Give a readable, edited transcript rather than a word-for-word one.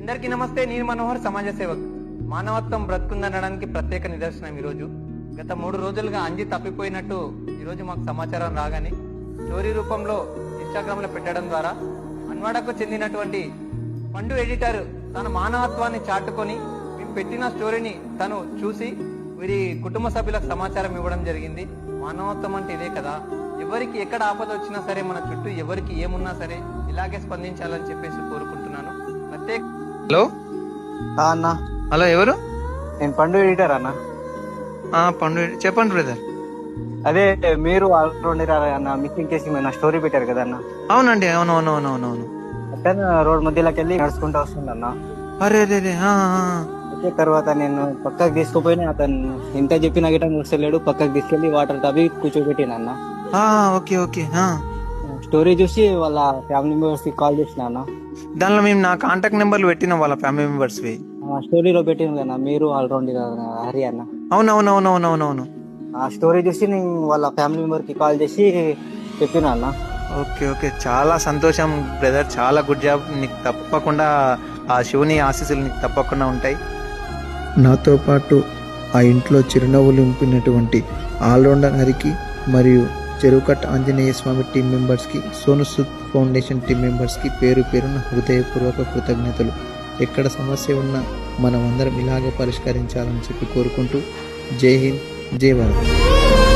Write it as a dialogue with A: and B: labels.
A: అందరికీ నమస్తే. నేను మనోహర్, సమాజ సేవక్. మానవత్వం బ్రతుకుందనడానికి ప్రత్యేక నిదర్శనం ఈరోజు. గత 3 రోజులుగా అంజి తప్పిపోయినట్టు ఈరోజు మాకు సమాచారం రాగానే స్టోరీ రూపంలో ఇన్స్టాగ్రామ్ లో పెట్టడం ద్వారా అన్వాడకు చెందినటువంటి పండు ఎడిటర్ తన మానవత్వాన్ని చాటుకొని మేము పెట్టిన స్టోరీని తను చూసి వీరి కుటుంబ సభ్యులకు సమాచారం ఇవ్వడం జరిగింది. మానవత్వం అంటే ఇదే కదా. ఎవరికి ఎక్కడ ఆపద వచ్చినా సరే, మన చుట్టూ ఎవరికి ఏమున్నా సరే ఇలాగే స్పందించాలని చెప్పేసి కోరుకుంటున్నాను. ప్రత్యేక
B: హలో
C: అన్న,
B: హలో, ఎవరు?
C: నేను పండు ఎడిటర్ అన్న.
B: పండు, చెప్పండి బ్రదర్.
C: అదే మీరు ఆల్రౌండర్ అన్న, మిస్సింగ్ కేసు మీద స్టోరీ పెట్టారు కదా అన్న.
B: అవునండి, అవును.
C: అతను రోడ్ మధ్యలోకి వెళ్ళి నడుచుకుంటూ వస్తుందన్న.
B: అరే రే రే,
C: అయితే తర్వాత నేను పక్కకు తీసుకుపోయినా, అతను ఎంత చెప్పినా గిట్ట మూసలేడు. పక్కకు తీసుకెళ్లి వాటర్ తవ్వి కూర్చోబెట్టిన అన్న.
B: Okay okay.
C: స్టోరీ చూసి వాళ్ళ ఫ్యామిలీ మెంబర్స్ కి కాల్ చేసిన అన్న.
B: దానిలో మేము నా కాంటాక్ట్ నెంబర్లు పెట్టినాం వాళ్ళ ఫ్యామిలీ మెంబర్స్.
C: స్టోరీలో పెట్టింది అన్న, మీరు ఆల్రౌండర్ హరి అన్న.
B: అవునవునవునవునవును.
C: ఆ స్టోరీ చూసి నేను వాళ్ళ ఫ్యామిలీ మెంబర్ కి కాల్ చేసి చెప్పిన అన్న.
B: ఓకే ఓకే, చాలా సంతోషం బ్రదర్, చాలా గుడ్ జాబ్. నీకు తప్పకుండా ఆ శివుని ఆశీస్సులు నీకు తప్పకుండా ఉంటాయి.
D: నాతో పాటు ఆ ఇంట్లో చిరునవ్వులు నింపినటువంటి ఆల్రౌండర్ హరికి మరియు చెరువుకట్ట ఆంజనేయ స్వామి టీం మెంబర్స్కి, సోను సూద్ ఫౌండేషన్ టీం మెంబర్స్కి పేరు పేరున హృదయపూర్వక కృతజ్ఞతలు. ఎక్కడ సమస్య ఉన్నా మనం అందరం ఇలాగే పరిష్కరించాలని చెప్పి కోరుకుంటూ జై హింద్, జై భారత్.